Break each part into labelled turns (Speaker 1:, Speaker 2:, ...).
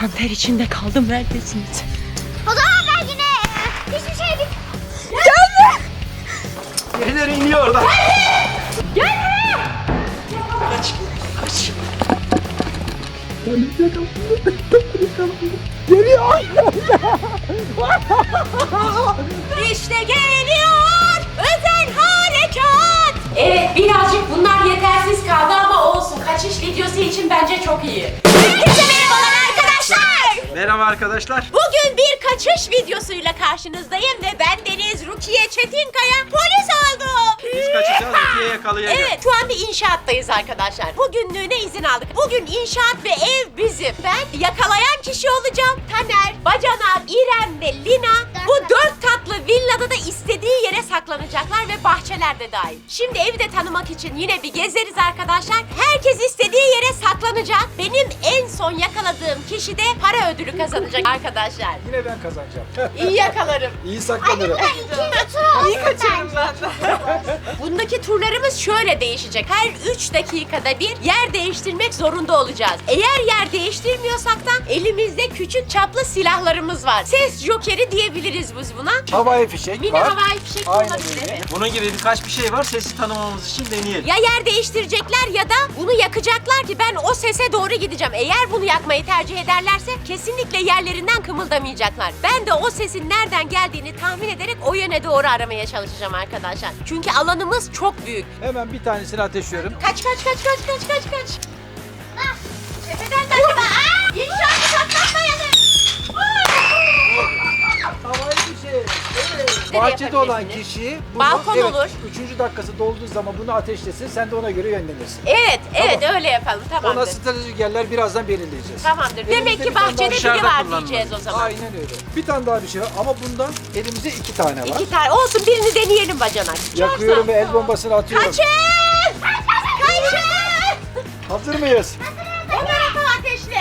Speaker 1: Kan ter içinde kaldım. Neredesiniz?
Speaker 2: O zaman ben yine hiçbir şey bilmiyorum.
Speaker 1: Gelme!
Speaker 3: Birileri iniyor orada.
Speaker 1: Gelme!
Speaker 3: Kaç. Kaç.
Speaker 1: Geliyor! İşte geliyor! Özel harekat! Evet, birazcık bunlar yetersiz kaldı ama olsun. Kaçış videosu için bence çok iyi. Herkese merhabalar arkadaşlar!
Speaker 3: Merhaba arkadaşlar.
Speaker 1: Bugün bir kaçış videosuyla karşınızdayım ve ben Deniz Rukiye Çetinkaya polis oldum.
Speaker 3: Biz kaçacağız, Rukiye'yi yakalayacağız.
Speaker 1: Evet, şu an bir inşaattayız arkadaşlar. Bugünlüğüne izin aldık. Bugün inşaat ve ev bizim. Ben yakalayan kişi olacağım. Taner, Bacanak, İrem ve Lina bu 4 katlı villada da istediği yere saklanacaklar ve bahçeler de dahil. Şimdi evi de tanımak için yine bir gezeriz arkadaşlar. Herkes istediği yere saklanacak. Benim en son yakaladığım kişi de para ödülü kazanacak arkadaşlar.
Speaker 3: Yine ben kazanacağım.
Speaker 1: İyi yakalarım.
Speaker 3: İyi saklanırım.
Speaker 1: İyi kaçarım ben de. Bundaki turlarımız şöyle değişecek. Her 3 dakikada bir yer değiştirmek zorunda olacağız. Eğer yer değiştirmiyorsak da elimizde küçük çaplı silahlarımız var. Ses jokeri diyebiliriz biz buna.
Speaker 3: Havai fişek
Speaker 1: Mini
Speaker 3: var.
Speaker 1: havai fişek
Speaker 3: Aynen
Speaker 1: olabilir.
Speaker 3: öyle.
Speaker 1: Evet.
Speaker 3: Bunun gibi birkaç bir şey var. Sesi tanımamız için deneyelim.
Speaker 1: Ya yer değiştirecekler ya da bunu yakacaklar ki ben o sese doğru gideceğim. Eğer bunu yakmayı tercih ederlerse kesinlikle yerlerinden kımıldamayacaklar. Ben de o sesin nereden geldiğini tahmin ederek o yöne doğru aramaya çalışacağım arkadaşlar. Çünkü alanımız çok büyük.
Speaker 3: Hemen bir tanesini ateşliyorum.
Speaker 1: Kaç. Tepeden kaçma. İnşaatı patlatmayalım.
Speaker 3: Havai fişek. Evet.
Speaker 1: Nereye
Speaker 3: Bahçede olan
Speaker 1: yapabilirsiniz?
Speaker 3: kişi
Speaker 1: Balkon olur.
Speaker 3: 3. dakikası dolduğu zaman bunu ateşlesin. Sen de ona göre yönlenirsin.
Speaker 1: Evet öyle yapalım
Speaker 3: Ona
Speaker 1: tamamdır.
Speaker 3: stratejik yerler birazdan belirleyeceğiz.
Speaker 1: Tamamdır.
Speaker 3: Elimizde
Speaker 1: Demek ki
Speaker 3: bir tane daha
Speaker 1: bahçede biri
Speaker 3: dışarıda
Speaker 1: var
Speaker 3: kullanılır.
Speaker 1: diyeceğiz o zaman.
Speaker 3: Aynen öyle. Bir tane daha bir şey var ama bundan elimizde 2 tane var.
Speaker 1: 2 tane olsun, birini deneyelim bacanak.
Speaker 3: Yakıyorum ve el bombasını atıyorum.
Speaker 1: Kaçın! Kaçın!
Speaker 3: Hazır mıyız?
Speaker 1: O tarafa ateşle.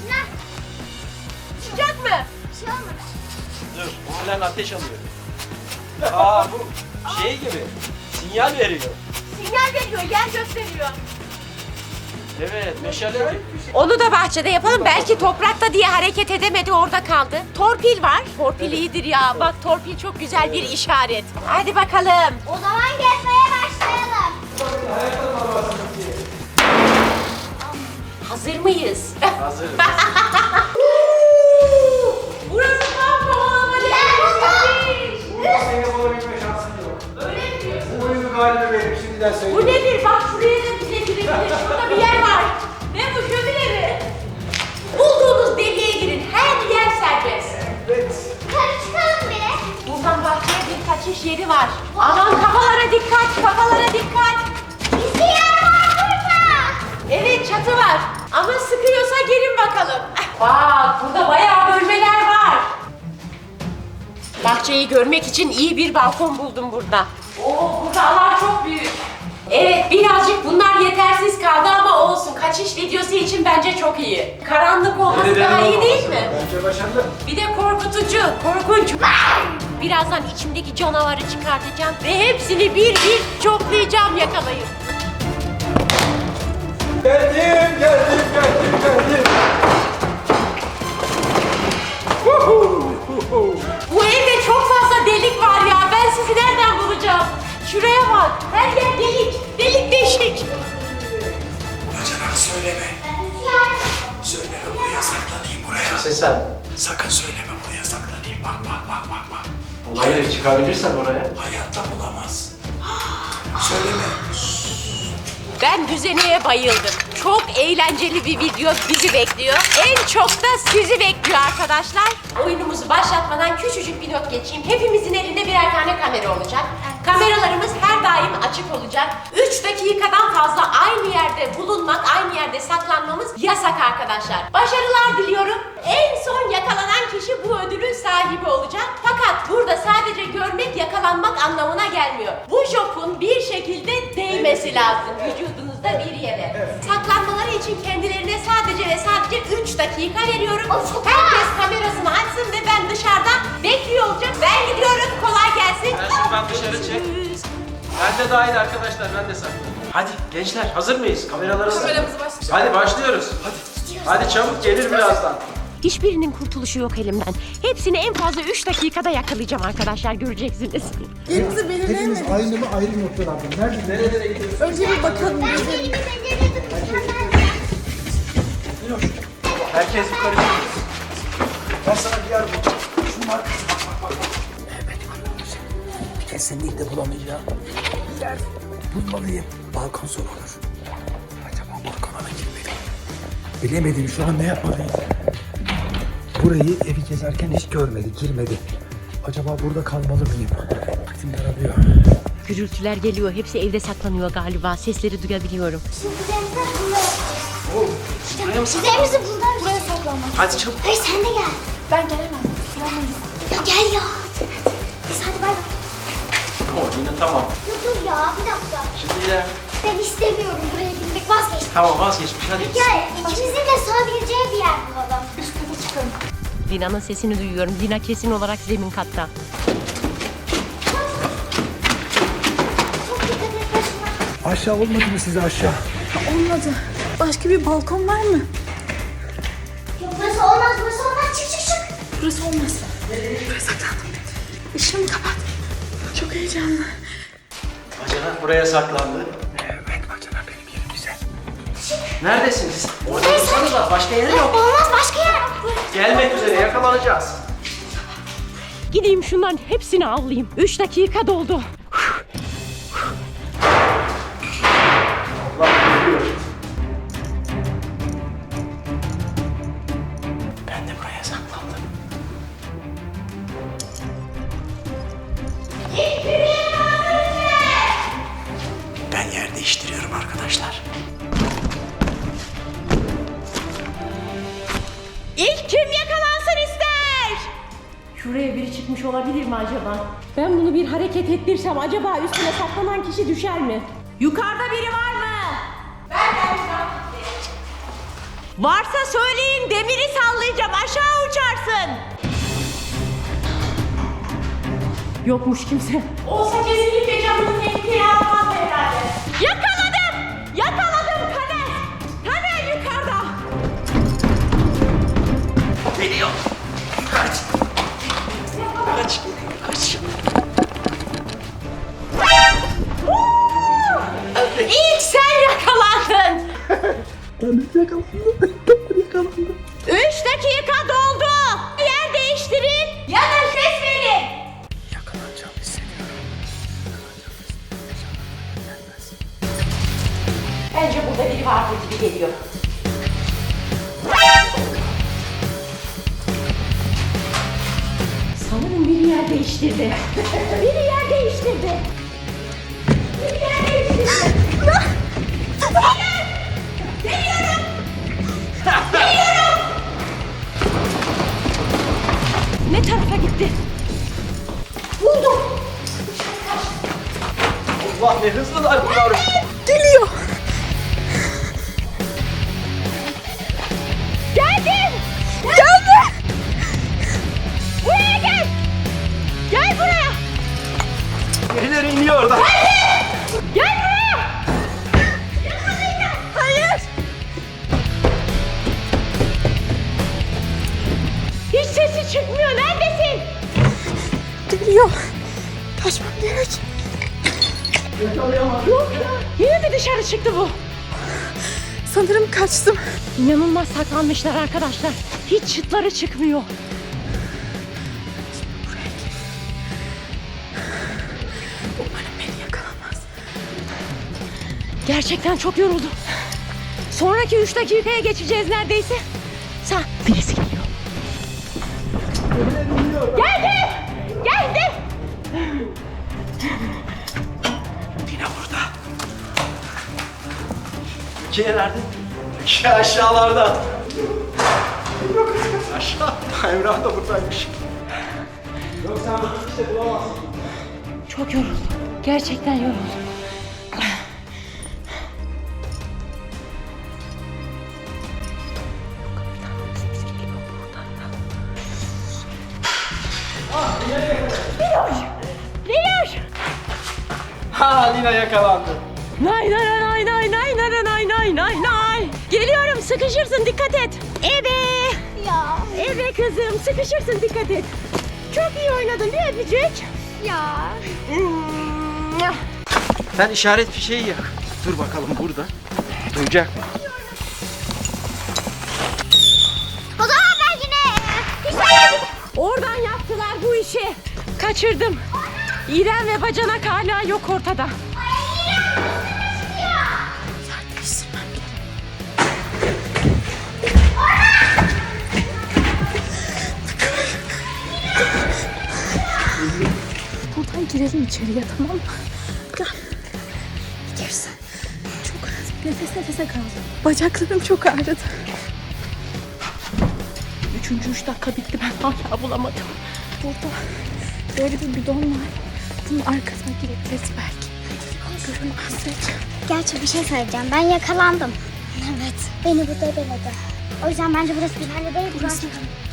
Speaker 1: Sıcak mı?
Speaker 3: Dur. Halen ateş alıyor. Aa bu şey gibi. Sinyal veriyor.
Speaker 1: Sinyal veriyor, yer gösteriyor.
Speaker 3: Evet, meşale gibi.
Speaker 1: Onu da bahçede yapalım. Belki toprakta diye hareket edemedi, orada kaldı. Torpil var. Torpil iyidir ya. Bak torpil çok güzel bir işaret. Hadi bakalım.
Speaker 2: O zaman gezmeye başlayalım.
Speaker 1: Hazır mıyız?
Speaker 3: Hazırız.
Speaker 1: Burası tam kovalama değil.
Speaker 3: Seni bulabilme şansın yok.
Speaker 1: Öyle mi diyorsun?
Speaker 3: Bu oyunu galiba benim şimdiden
Speaker 1: Bu
Speaker 3: söyleyeyim.
Speaker 1: nedir? Bak şuraya da bize girebilir. Şurada bir yer var. Ne bu, şömine mi? Bulduğunuz deliğe girin. Her yer serbest.
Speaker 3: Evet.
Speaker 2: Yukarı çıkalım bile.
Speaker 1: Buradan bahçeye bir kaçış yeri var. Aman kafalara dikkat, kafalara dikkat.
Speaker 2: Bizi yer var burada.
Speaker 1: Evet, çatı var. Ama sıkıyorsa gelin bakalım. Bak, burada bayağı bölmeler var. Bahçeyi görmek için iyi bir balkon buldum burada. Oo, burada alan çok büyük. Evet, birazcık bunlar yetersiz kaldı ama olsun. Kaçış videosu için bence çok iyi. Karanlık olması daha iyi değil mi?
Speaker 3: Bence başarılı.
Speaker 1: Bir de korkutucu, korkunç. Birazdan içimdeki canavarı çıkartacağım ve hepsini bir bir çoklayacağım, yakalayın.
Speaker 3: Geldim.
Speaker 1: Bu evde çok fazla delik var ya. Ben sizi nereden bulacağım? Şuraya bak. Her yer delik. Delik deşik.
Speaker 4: Bacanak söyleme. Söyleme buraya saklanayım buraya.
Speaker 3: Sesen.
Speaker 4: Sakın söyleme buraya saklanayım. Bak.
Speaker 3: Hayır, çıkabilirsen oraya.
Speaker 4: Hayatta bulamaz. Söyleme.
Speaker 1: Ben düzeneye bayıldım. Çok eğlenceli bir video bizi bekliyor. En çok da sizi bekliyor arkadaşlar. Oyunumuzu başlatmadan küçücük bir not geçeyim. Hepimizin elinde birer tane kamera olacak. Kameralarımız her daim açık olacak. 3 dakikadan fazla aynı yerde bulunmak, aynı yerde saklanmamız yasak arkadaşlar. Başarılar diliyorum. En son yakalanan kişi bu ödülün sahibi olacak. Fakat burada sadece görmek, yakalanmak anlamına gelmiyor. Bu jopun bir şekilde değmesi lazım vücudunuzda bir yere. Saklanmaları için kendilerine sadece ve sadece 3 dakika veriyorum. Herkes kamerasını açsın ve ben dışarıda bekliyor olacağım. Ben gidiyorum. Kolay gelsin.
Speaker 3: Ben şuradan dışarı çek. Ben de dahil arkadaşlar, ben de saklanayım. Hadi gençler, hazır mıyız? Kameramızı başlayalım. Hadi başlıyoruz. Hadi çabuk, gelir birazdan.
Speaker 1: Hiçbirinin kurtuluşu yok elimden. Hepsini en fazla 3 dakikada yakalayacağım arkadaşlar, göreceksiniz.
Speaker 5: Yerimizi belirleyemedik.
Speaker 6: Hepimiz aynı mı ayrı noktalarda? Nerede?
Speaker 3: Nerelere gidiyorsun?
Speaker 5: Önce bir bakalım.
Speaker 2: Ben
Speaker 5: Gezelim.
Speaker 2: elimi beceriyordum.
Speaker 3: Herkes yukarı çıkıyor.
Speaker 6: Ben sana bir yer bulacağım. Şunun arkası bak. Benim arkadaşım. Kesinlikle bulamayacağım. Bir yer bulmalıyım. Balkon zor olur. Acaba balkona mı girmeliyim? Bilemedim şu an ne yapmalıyım. Burayı evi gezerken hiç görmedi, girmedi. Acaba burada kalmalı mıyım? Vaktim daralıyor.
Speaker 1: Gürültüler geliyor. Hepsi evde saklanıyor galiba. Sesleri duyabiliyorum.
Speaker 2: Şimdi üzerimize buluyoruz.
Speaker 3: Buraya mı saklan?
Speaker 2: Üzerimizi buluyoruz. Buraya saklanmak.
Speaker 3: Hadi çabuk.
Speaker 2: Hayır sen de gel.
Speaker 5: Ben gelemem. Sulamayız.
Speaker 2: Ya gel ya. Biz hadi bay bay.
Speaker 3: Yine tamam.
Speaker 2: Dur ya bir dakika.
Speaker 3: Şimdi yine
Speaker 2: Ben istemiyorum buraya gitmek, vazgeçtim.
Speaker 3: tamam vazgeçmiş hadi.
Speaker 2: Gel ikimizin de sığabileceği bir yer bulalım.
Speaker 5: Üst kata çıkalım.
Speaker 1: Lina'nın sesini duyuyorum. Lina kesin olarak zemin katta.
Speaker 2: Çok dikkat et başına.
Speaker 6: Aşağı olmadı mı size aşağı?
Speaker 5: Olmadı. Başka bir balkon var mı?
Speaker 2: Yok burası olmaz, burası olmaz. Çık çık çık.
Speaker 5: Burası olmaz. Buraya saklandım. Işığımı kapat. Çok heyecanlı.
Speaker 3: Bacana buraya saklandı.
Speaker 6: Evet bacana benim yerim güzel.
Speaker 3: Neredesiniz? Orada dursanız var. Başka yeri yok.
Speaker 2: Olmaz, başka yer yok.
Speaker 3: Gelmek üzere yakalanacağız.
Speaker 1: Gideyim şunların hepsini avlayayım. 3 dakika doldu.
Speaker 3: Allah geliyor. Ben de buraya saklandım.
Speaker 4: Ben yer değiştiriyorum arkadaşlar.
Speaker 1: İlk kim yakalansın ister? Şuraya biri çıkmış olabilir mi acaba? Ben bunu bir hareket ettirsem acaba üstüne saklanan kişi düşer mi? Yukarıda biri var mı? Varsa söyleyin, demiri sallayacağım, aşağı uçarsın. Yokmuş kimse. Olsa kesinlikle canını tehlikeye almaz herhalde. Yakaladım! Yakaladım Taner! Taner yukarıda!
Speaker 3: Geliyor. Kaç. Kaç. Kaç.
Speaker 1: İlk sen yakalandın.
Speaker 6: Ben yakalandım.
Speaker 1: 3 dakika doldu. Yer değiştirin ya da ses verin.
Speaker 6: Yakalanacağım hissediyorum. Gelmez.
Speaker 1: Bence burada biri vardır gibi geliyor. Sanırım biri yer değiştirdi. Biri yer değiştirdi. Biri yer değiştirdi. Hayır! Geliyorum! Geliyorum! Ne tarafa gitti? Buldum.
Speaker 3: Allah ne hızlılar bunlar.
Speaker 5: Geliyor.
Speaker 1: Geldim! Geldi! Buraya gel! Gel buraya!
Speaker 3: Birileri iniyor orada.
Speaker 1: Gel buraya! Hayır! Hiç sesi çıkmıyor. Neredesin?
Speaker 5: Geliyor. Kaçmam gerek.
Speaker 1: Yok ya. Yine mi dışarı çıktı bu?
Speaker 5: Sanırım kaçtım.
Speaker 1: İnanılmaz saklanmışlar arkadaşlar. Hiç çıtları çıkmıyor.
Speaker 5: Umarım beni yakalamaz.
Speaker 1: Gerçekten çok yoruldum. Sonraki 3 dakikaya geçeceğiz neredeyse. Birisi geliyor. Geldi! Geldi!
Speaker 3: Yine burada. Rukiye nerede? Rukiye aşağılarda. Yok aşağı. Emrah da buradaymış. Yok sen bunu işte bulamazsın.
Speaker 1: Çok yoruldum. Gerçekten yoruldum. Niloş!
Speaker 3: Ha Lina yakalandı.
Speaker 1: Nay nay nay nay nay nay nay nay nay nay. Geliyorum, sıkışırsın, dikkat et. Ebe!
Speaker 2: Ya.
Speaker 1: Hadi kızım, sıkışırsın, dikkat et. Çok iyi oynadın, bir öpücük.
Speaker 2: Ya.
Speaker 3: Sen işaret fişeği yak. Dur bakalım burada. Duyacak mı?
Speaker 2: O zaman ben yine hiç
Speaker 1: Oradan yaptılar bu işi. Kaçırdım. İrem ve bacanak hala yok ortada.
Speaker 5: Buradan girelim içeriye, tamam mı? Gel. Girsin. Çok nefes nefese kaldım. Bacaklarım çok ağrıdı.
Speaker 1: 3. dakika bitti, ben hala bulamadım.
Speaker 5: Burada böyle bir bidon var. Bunun arkasına girebiliriz belki. Görünmezsek.
Speaker 2: Gerçi bir şey söyleyeceğim. Ben yakalandım. Evet. Beni burada beledi. O yüzden bence burası güvenli değil. Burası.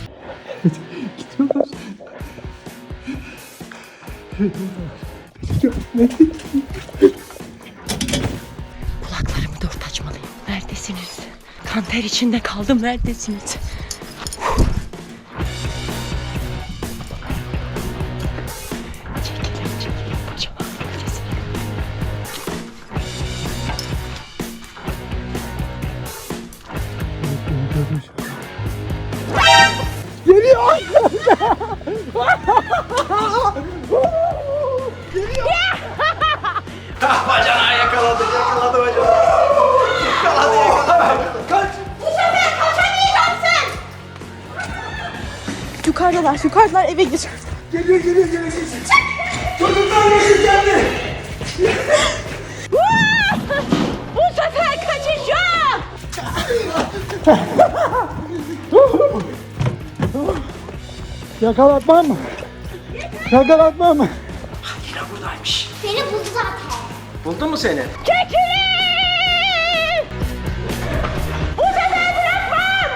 Speaker 1: Kulaklarımı dört açmalıyım. Neredesiniz? Kan ter içinde kaldım, neredesiniz? Çekilin, kocaman nefes.
Speaker 3: Bacanağı yakaladı bacanağı. Yakaladı. Kaç.
Speaker 5: Yukarıdalar eve gir.
Speaker 6: Geliyor. Çocuklar nasıl geldi?
Speaker 1: Bu sefer kaçacağım.
Speaker 6: Yakalatmam mı? Yakalatmam mı?
Speaker 3: Yine buradaymış.
Speaker 2: Beni buldu zaten.
Speaker 3: Buldu mu seni?
Speaker 1: Çekilin! Bu sefer bırakmam!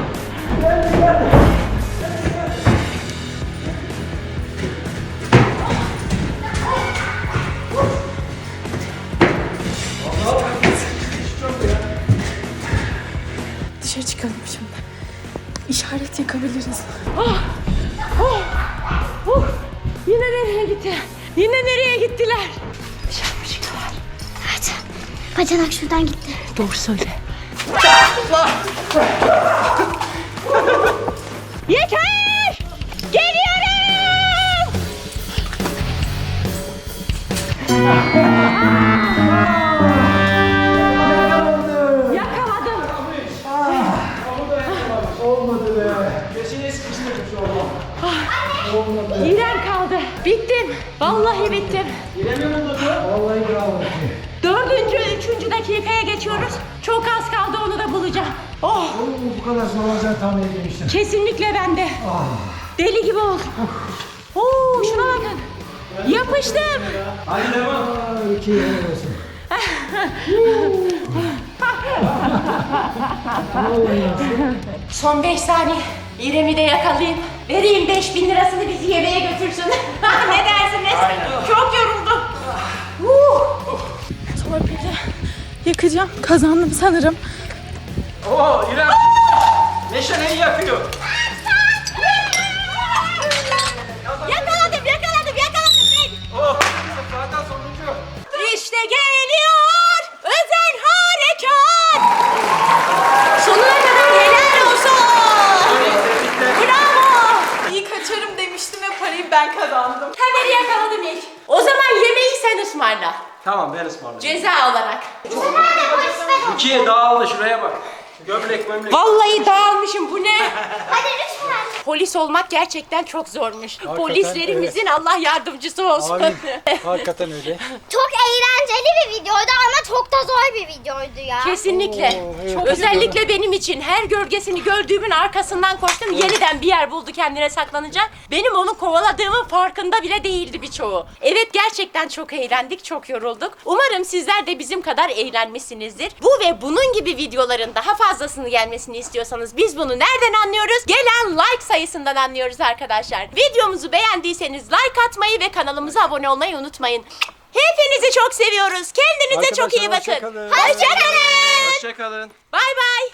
Speaker 5: Dışarı çıkalım şimdi. İşaret yakabiliriz.
Speaker 1: Yine nereye gitti? Yine nereye gittiler? Dışarı mı çıktılar?
Speaker 2: Evet. Bacanak şuradan gitti.
Speaker 1: Doğru söyle. Yeter! Geliyorum! Yakaladım.
Speaker 6: Olmadı be.
Speaker 3: Köşeye sıkıştırmış oğlum.
Speaker 1: İrem kaldı. Bittim. Vallahi bittim.
Speaker 6: Vallahi bravo.
Speaker 1: 4. 3. dakikaya geçiyoruz. Çok az kaldı, onu da bulacağım. Oh,
Speaker 6: Bu kadar zor olacağını tahmin etmemiştim.
Speaker 1: kesinlikle bende. Deli gibi oldum. Oo, şuna bakın. Yapıştım.
Speaker 3: Hadi devam.
Speaker 6: İki helal olsun.
Speaker 1: Son 5 saniye. İrem'i de yakalayayım. Vereyim 5.000 lirasını, bizi yemeğe götürsün. Ne dersiniz? Çok yoruldum.
Speaker 5: Torpili yakacağım. Kazandım sanırım.
Speaker 3: Oo İrem. Neşe neyi yakıyor?
Speaker 1: Yakaladım ben.
Speaker 3: Oh zaten sonuncu.
Speaker 1: İşte geliyor özel harekat. Sonuna kadar helal olsun. Bravo.
Speaker 5: İyi kaçarım demiştim ve parayı ben kazandım.
Speaker 1: Haberi yakaladım ilk. O zaman yemeği sen ısmarla.
Speaker 3: Tamam ben ısmarlayayım.
Speaker 1: Ceza olarak.
Speaker 3: İkiye dağıldı şuraya bak. Gömlek.
Speaker 1: Vallahi dağılmışım, bu ne?
Speaker 2: Hadi lütfen.
Speaker 1: Polis olmak gerçekten çok zormuş. Polislerimizin Allah yardımcısı olsun.
Speaker 6: Hakikaten öyle.
Speaker 2: Çok eğlenceli bir videoydu ama çok da zor bir videoydu ya.
Speaker 1: Kesinlikle. Özellikle benim için her gölgesini gördüğümün arkasından koştum. Yeniden bir yer buldu kendine saklanacak. Benim onu kovaladığımın farkında bile değildi birçoğu. Evet, gerçekten çok eğlendik, çok yorulduk. Umarım sizler de bizim kadar eğlenmişsinizdir. Bu ve bunun gibi videoların daha fazlasını gelmesini istiyorsanız biz bunu nereden anlıyoruz? Gelen like sayısından anlıyoruz arkadaşlar. Videomuzu beğendiyseniz like atmayı ve kanalımıza abone olmayı unutmayın. Hepinizi çok seviyoruz. Kendinize çok iyi bakın.
Speaker 6: Hoşça kalın.
Speaker 1: Hoşça kalın.
Speaker 3: Hoşçakalın.
Speaker 1: Bay bay.